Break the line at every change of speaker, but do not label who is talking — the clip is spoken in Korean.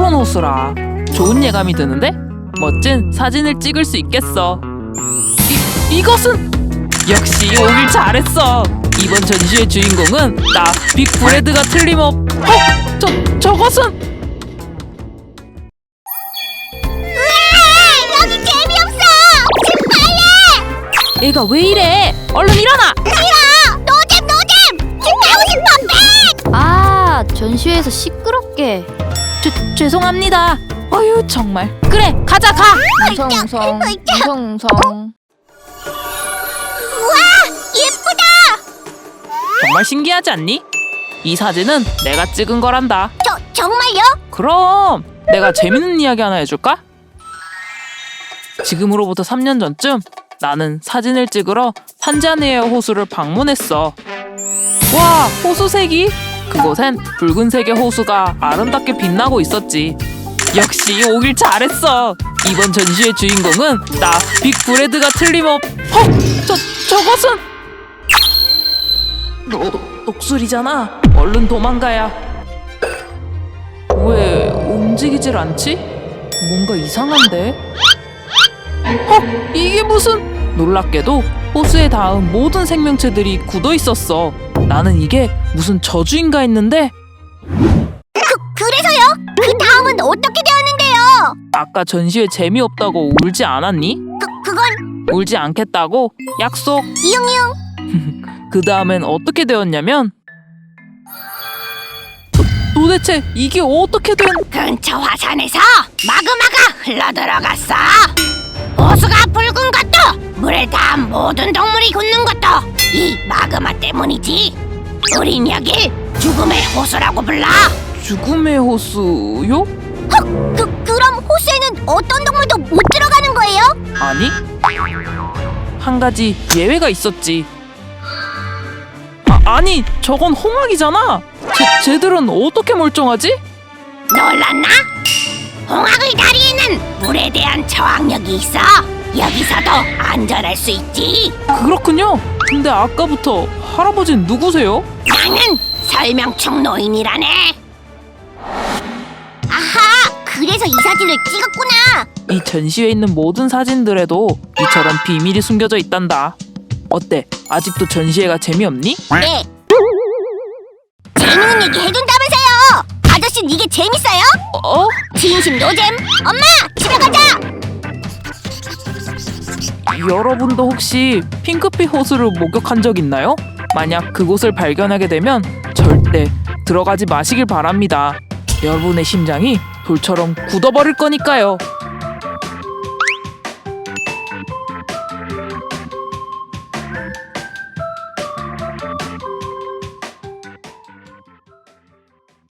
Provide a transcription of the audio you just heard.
새로운 호수라. 좋은 예감이 드는데? 멋진 사진을 찍을 수 있겠어. 이것은 역시 오길 잘했어. 이번 전시의 주인공은 나 빅브레드가 틀림없. 저것은
여기 재미없어! 지금 빨리!
얘가 왜 이래? 얼른 일어나.
싫어! 노잼! 지금 가고 싶어!
아, 전시회에서 시끄럽게.
죄송합니다. 어휴 정말. 그래 가자 가.
웅성웅성 웅성웅성.
우와! 예쁘다!
정말 신기하지 않니? 이 사진은 내가 찍은 거란다.
정말요?
그럼 내가 재밌는 이야기 하나 해줄까? 지금으로부터 3년 전쯤 나는 사진을 찍으러 탄자니아 호수를 방문했어. 와, 호수색이? 그곳엔 붉은색의 호수가 아름답게 빛나고 있었지. 역시 오길 잘했어. 이번 전시의 주인공은 나 빅브레드가 틀림없. 저것은 녹술이잖아. 얼른 도망가야. 왜 움직이질 않지? 뭔가 이상한데? 이게 무슨? 놀랍게도 호수에 닿은 모든 생명체들이 굳어 있었어. 나는 이게 무슨 저주인가 했는데
그래서요? 그 다음은 어떻게 되었는데요?
아까 전시회 재미없다고 울지 않았니?
그건
울지 않겠다고 약속.
이응이응.
그 다음엔 어떻게 되었냐면 도대체 이게 어떻게 된?
근처 화산에서 마그마가 흘러들어갔어. 호수가 붉은 것도 물에 닿은 모든 동물이 굳는 것도 이 마그마 때문이지. 우린 여길 죽음의 호수라고 불러.
죽음의 호수요?
그럼 호수에는 어떤 동물도 못 들어가는 거예요?
아니, 한 가지 예외가 있었지. 아니, 저건 홍학이잖아. 쟤들은 어떻게 멀쩡하지?
놀랐나? 홍학의 다리에는 물에 대한 저항력이 있어. 여기서도 안전할 수 있지.
그렇군요. 근데 아까부터 할아버지는 누구세요?
나는 설명충 노인이라네. 아하, 그래서 이 사진을 찍었구나.
이 전시회에 있는 모든 사진들에도 이처럼 비밀이 숨겨져 있단다. 어때? 아직도 전시회가 재미없니?
네. 재밌는 얘기 해준다면서요. 아저씨는 이게 재밌어요?
어?
진심 노잼. 엄마, 집에 가자.
여러분도 혹시 핑크빛 호수를 목격한 적 있나요? 만약 그곳을 발견하게 되면 절대 들어가지 마시길 바랍니다. 여러분의 심장이 돌처럼 굳어버릴 거니까요.